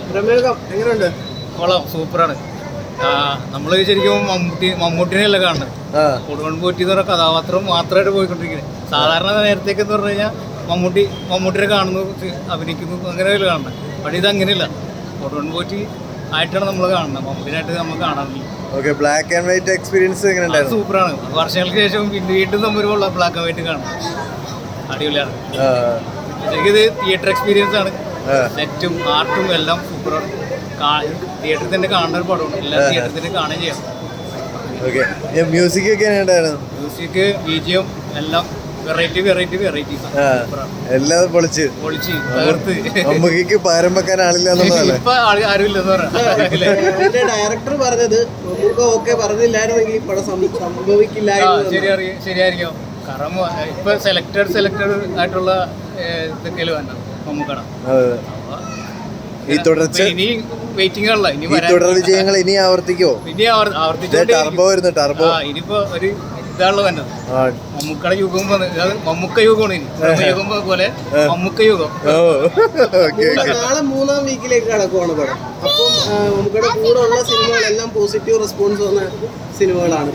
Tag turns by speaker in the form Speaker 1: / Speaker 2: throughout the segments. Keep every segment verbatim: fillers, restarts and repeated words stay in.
Speaker 1: എങ്ങനെയുണ്ട്?
Speaker 2: കൊള്ളാം, സൂപ്പറാണ്. നമ്മൾ ശരിക്കും മമ്മൂട്ടി മമ്മൂട്ടിനെയല്ല കാണുന്നത്. കൊടുവൺ പോറ്റി എന്ന് പറഞ്ഞ കഥാപാത്രം മാത്രമായിട്ട് പോയിക്കൊണ്ടിരിക്കുന്നത്. സാധാരണ നേരത്തേക്ക് എന്ന് പറഞ്ഞു കഴിഞ്ഞാൽ മമ്മൂട്ടി മമ്മൂട്ടിനെ കാണുന്നു, അഭിനയിക്കുന്നു, അങ്ങനെയല്ല കാണുന്നത്. പക്ഷേ ഇത് അങ്ങനെയല്ല, കൊടുവൺ പോറ്റി ആയിട്ടാണ് നമ്മൾ കാണുന്നത്, മമ്മൂട്ടിനായിട്ട് നമ്മൾ കാണാറില്ല.
Speaker 1: Okay, black and white experience എങ്ങനെയുണ്ടായിരുന്നു?
Speaker 2: സൂപ്പറാണ്. വർഷങ്ങൾക്ക് ശേഷം പിന്നെ വീണ്ടും തമ്മിലുള്ള ബ്ലാക്ക് ആൻഡ് വൈറ്റ് കാണുന്നത് അടിപൊളിയാണ്. ശരിക്കും ഇത് തിയേറ്റർ എക്സ്പീരിയൻസ് ആണ്. നെറ്റും ആർട്ടും എല്ലാം സൂപ്പറാണ്. തിയേറ്ററിൽ തന്നെ കാണുന്ന ഒരു പടമാണ്, എല്ലാ തിയേറ്ററിൽ തന്നെ കാണുകയും ചെയ്യാം.
Speaker 1: ഓക്കെ, മ്യൂസിക് ഒക്കെ എങ്ങനെയുണ്ടായിരുന്നു?
Speaker 2: മ്യൂസിക്, ബിജിഎം എല്ലാം വെറൈറ്റി വെറൈറ്റി വെറൈറ്റി
Speaker 1: എല്ലാം പൊളിച്ച്
Speaker 2: പൊളിച്ച് തകർത്ത്.
Speaker 1: നമുക്ക് പകരം വെക്കാൻ ആളില്ല എന്നുള്ളതല്ലേ?
Speaker 2: ഇപ്പൊ ആരും ഇല്ലെന്ന് പറയാം.
Speaker 3: ഡയറക്ടർ പറഞ്ഞത് നമുക്ക് ഓക്കെ പറഞ്ഞില്ലായിരുന്നെങ്കിൽ പടം സംഭവിക്കില്ലായിരുന്നു.
Speaker 2: ശരിയായിരിക്കും ശരിയായിരിക്കും കാരണം ഇപ്പൊ സെലക്ടഡ് സെലക്ടഡ് ആയിട്ടുള്ള ഇതൊക്കെയല്ലേ വേണ്ട നമുക്കട.
Speaker 1: ഈ തുടർച്ച
Speaker 2: ഇനി വെയിറ്റിംഗ് ആണല്ലോ, ഇനി
Speaker 1: തുടർ വിജയങ്ങൾ ഇനി ആവർത്തിക്കോ?
Speaker 2: ഇനി ആവർത്തിച്ചോ.
Speaker 1: ടർബോ വരുന്നു, ടർബോ.
Speaker 2: ഇനിയിപ്പോ ഒരു ഇതാണല്ലോ വേണ്ടത്. മമ്മൂക്കയുടെ യുഗം മമ്മൂക്ക യുഗമാണ്. ഇനി യുഗം പോലെ മമ്മൂക്ക യുഗം.
Speaker 3: നാളെ മൂന്നാം വീക്കിലേക്ക് കടക്കുവാണ് പടം. അപ്പം മമ്മൂക്കയുടെ കൂടെ ഉള്ള സിനിമകളെല്ലാം പോസിറ്റീവ് റെസ്പോൺസ് വന്ന സിനിമകളാണ്.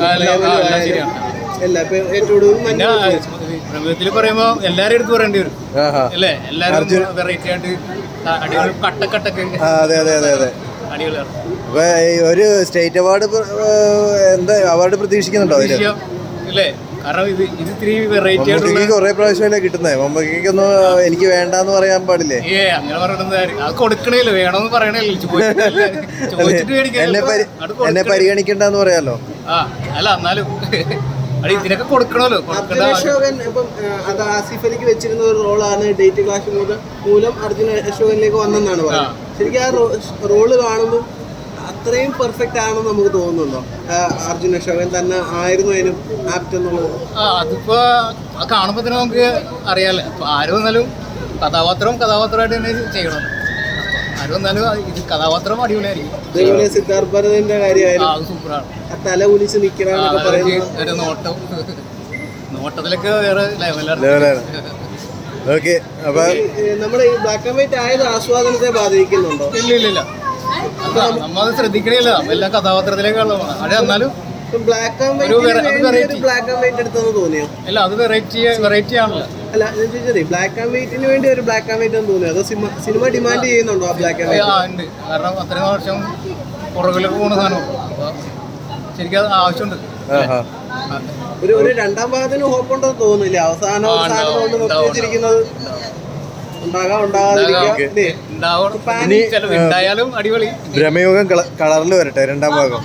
Speaker 2: പ്രമേയത്തിൽ പറയുമ്പോ എല്ലാരും എടുത്ത് പറയേണ്ടി വരും അല്ലേ? എല്ലാരും വെറൈറ്റി ആയിട്ട് അടിപൊളി കട്ടക്കട്ടൊക്കെ.
Speaker 1: അതെ അതെ അതെ അതെ
Speaker 2: അടിപൊളിയാണ്.
Speaker 1: ഒരു സ്റ്റേറ്റ് അവാർഡ് എന്താ അവാർഡ് പ്രതീക്ഷിക്കുന്നുണ്ടോ
Speaker 2: അല്ലേ? കാരണം ഇത് ഇത് ഇത്തിരി വെറൈറ്റി ആയിട്ടുള്ള
Speaker 1: കുറെ പ്രാവശ്യമല്ലേ കിട്ടുന്നത്. മമ്മൂക്കൊന്നും എനിക്ക് വേണ്ടെന്ന് പറയാൻ പാടില്ലേ?
Speaker 2: ഏ അങ്ങനെ പറയണത് അത് കൊടുക്കണേല്ലോ, വേണമെന്ന് പറയണല്ലോ. ചോദിച്ചിട്ട്
Speaker 1: എന്നെ പരിഗണിക്കണ്ടെന്ന് പറയാലോ.
Speaker 2: ആ അല്ല, എന്നാലും ഇതിനൊക്കെ കൊടുക്കണമല്ലോ.
Speaker 3: അശോകൻ ഇപ്പം അത് ആസിഫ് അലിക്ക് വെച്ചിരുന്ന ഒരു റോളാണ് ഡേറ്റ് ക്ലാഷ് മൂലം അർജുൻ അശോകനിലേക്ക് വന്നെന്നാണ് പറയുന്നത്. ശരിക്കും ആ റോള് കാണുമ്പോൾ അത്രയും പെർഫെക്റ്റ് ആണെന്ന് നമുക്ക് തോന്നുന്നുണ്ടോ? അർജുൻ അശോകൻ തന്നെ ആയിരുന്നു അതിന് ആപ്റ്റ് എന്നുള്ളത്?
Speaker 2: ആ അതിപ്പോ കാണുമ്പോ തന്നെ നമുക്ക് അറിയാലോ. ആരും വന്നാലും കഥാപാത്രം കഥാപാത്രമായിട്ട് തന്നെ ചെയ്യണം. ആരും വന്നാലും ഇത് കഥാപാത്രം അടിപൊളിയായിരിക്കും.
Speaker 3: സിദ്ധാർത്ഥ് ഭരതന്റെ കാര്യമായാലും
Speaker 2: സൂപ്പറാണ്.
Speaker 3: തല കുനിച്ച് നിൽക്കണമെന്നൊക്കെ പറയുന്നത്
Speaker 2: ഒരു നോട്ടം നോട്ടത്തിലൊക്കെ വേറെ ലെവലാണ്.
Speaker 3: ഓക്കെ, അപ്പൊ നമ്മുടെ ഈ ബ്ലാക്ക് ആൻഡ് വൈറ്റ് ആയത് ആസ്വാദനത്തെ ബാധിക്കുന്നുണ്ടോ?
Speaker 2: ഇല്ല ഇല്ല ഇല്ല, നമ്മളത് ശ്രദ്ധിക്കണില്ല. എല്ലാ കഥാപാത്രത്തിലേക്കുള്ള അത് എന്നാലും
Speaker 3: black and white black and white എടുത്തെന്ന് തോന്നിയോ?
Speaker 2: അല്ല, അത് വെറൈറ്റി വെറൈറ്റി ആണല്ലോ.
Speaker 3: അല്ല ഞാൻ ചോദിച്ചത് ബ്ലാക്ക് ആൻഡ് വൈറ്റിന് വേണ്ടി ഒരു ബ്ലാക്ക് ആൻഡ് വൈറ്റ് എന്ന് തോന്നിയോ? അതോ സിനിമ ഡിമാൻഡ് ചെയ്യുന്നുണ്ടോ ആ ബ്ലാക്ക് ആൻഡ് വൈറ്റ്?
Speaker 2: ഉണ്ട്, കാരണം അത്രയും വർഷം പുറകിലേക്ക് പോകുന്ന സാധനം ശരിക്കും അത് ആവശ്യമുണ്ട്.
Speaker 3: ഒരു ഒരു രണ്ടാം ഭാഗത്തിന് ഹോപ്പ് ഉണ്ടെന്ന് തോന്നുന്നില്ല. അവസാനം അവസാനം കൊണ്ട് നിർത്തി വെച്ചിരിക്കുന്നത് ഉണ്ടാകാം
Speaker 2: ഉണ്ടായാലും അടിപൊളി.
Speaker 1: ബ്രഹ്മയുഗം കളറിൽ വരട്ടെ രണ്ടാം ഭാഗം.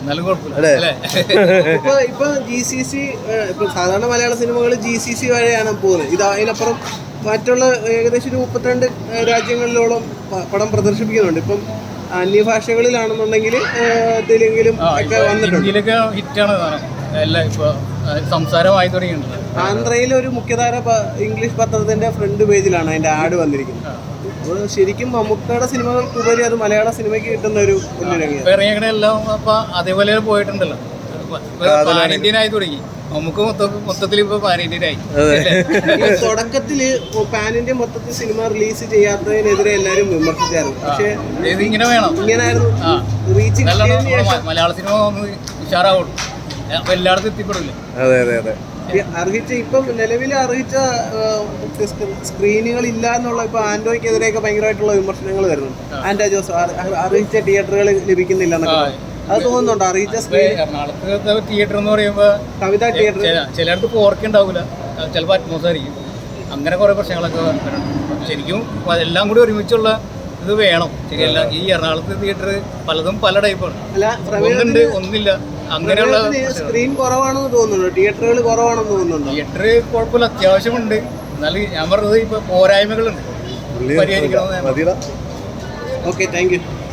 Speaker 3: ഇപ്പൊ ഇപ്പൊ ജി സി സി ഇപ്പൊ സാധാരണ മലയാള സിനിമകൾ ജി സി സി വഴിയാണ് പോകുന്നത്. ഇത് അതിനപ്പുറം മറ്റുള്ള ഏകദേശം ഒരു മുപ്പത്തിരണ്ട് രാജ്യങ്ങളിലോളം പടം പ്രദർശിപ്പിക്കുന്നുണ്ട്. ഇപ്പം അന്യഭാഷകളിലാണെന്നുണ്ടെങ്കിൽ തെലുങ്കിലും ഒക്കെ വന്നിട്ടുണ്ട്.
Speaker 2: ഹിറ്റാണ് എല്ലാം ഇപ്പൊ സംസാരമായി തുടങ്ങിയിട്ടുണ്ട്.
Speaker 3: ആന്ധ്രയിലെ ഒരു മുഖ്യധാര ഇംഗ്ലീഷ് പത്രത്തിന്റെ ഫ്രണ്ട് പേജിലാണ് അതിന്റെ ആഡ് വന്നിരിക്കുന്നത്. അപ്പോൾ ശരിക്കും മമ്മൂക്കയുടെ സിനിമകൾക്കുപരി അത് മലയാള സിനിമയ്ക്ക് കിട്ടുന്ന ഒരു
Speaker 2: എല്ലാം അപ്പൊ അതേപോലെ പോയിട്ടുണ്ടല്ലോ. പാനിന്ത്യനായി തുടങ്ങി നമുക്ക് മൊത്തത്തിൽ ഇപ്പൊ പാനിന്ത്യനായി.
Speaker 3: തുടക്കത്തില് പാനിന്ത്യ മൊത്തത്തിൽ സിനിമ റിലീസ് ചെയ്യാത്തതിനെതിരെ എല്ലാരും വിമർശിച്ചായിരുന്നു. പക്ഷെ
Speaker 2: ഇങ്ങനെ വേണം,
Speaker 3: ഇങ്ങനായിരുന്നു റീച്ച്.
Speaker 2: മലയാള സിനിമ ഒന്ന് ഉഷാറാവുള്ളൂ, അപ്പൊ എല്ലായിടത്തും എത്തിപ്പെടില്ല.
Speaker 1: അതെ അതെ അതെ
Speaker 3: അർഹിച്ച ഇപ്പം നിലവിൽ അർഹിച്ച സ്ക്രീനുകൾ ഇല്ല എന്നുള്ള ഇപ്പൊ ആൻഡോയ്ക്കെതിരെയൊക്കെ ഭയങ്കരമായിട്ടുള്ള വിമർശനങ്ങൾ വരുന്നുണ്ട്. ആൻഡോ ജോസ് അർഹിച്ച തിയേറ്ററുകൾ ലഭിക്കുന്നില്ല എന്നൊക്കെ അത് തോന്നുന്നുണ്ടോ? അറിയിച്ച
Speaker 2: എറണാകുളത്തെ തിയേറ്റർ എന്ന് പറയുമ്പോൾ
Speaker 3: കവിത തിയേറ്റർ
Speaker 2: ചിലയിടത്ത് പോർക്ക് ഉണ്ടാവില്ല, ചിലപ്പോൾ അറ്റ്മോസ്ഫിയർ ആയിരിക്കും. അങ്ങനെ കുറെ പ്രശ്നങ്ങളൊക്കെ വരുന്നുണ്ട്. ശരിക്കും എല്ലാം കൂടി ഒരുമിച്ചുള്ള ഇത് വേണം. ശരിയല്ല, ഈ എറണാകുളത്തെ തിയേറ്റർ പലതും പല ടൈപ്പാണ്. ഒന്നുണ്ട് ഒന്നില്ല, അങ്ങനെയുള്ള
Speaker 3: സ്ക്രീൻ കുറവാണെന്ന് തോന്നുന്നുണ്ടോ? തിയേറ്ററുകൾ കുറവാണെന്ന് തോന്നുന്നുണ്ടോ?
Speaker 2: തിയേറ്റർ കുഴപ്പമില്ല, അത്യാവശ്യമുണ്ട്. എന്നാലും ഞാൻ പറഞ്ഞത് ഇപ്പൊ പോരായ്മകളുണ്ട്, പരിഹരിക്കണമെന്ന്.
Speaker 3: Okay, thank U.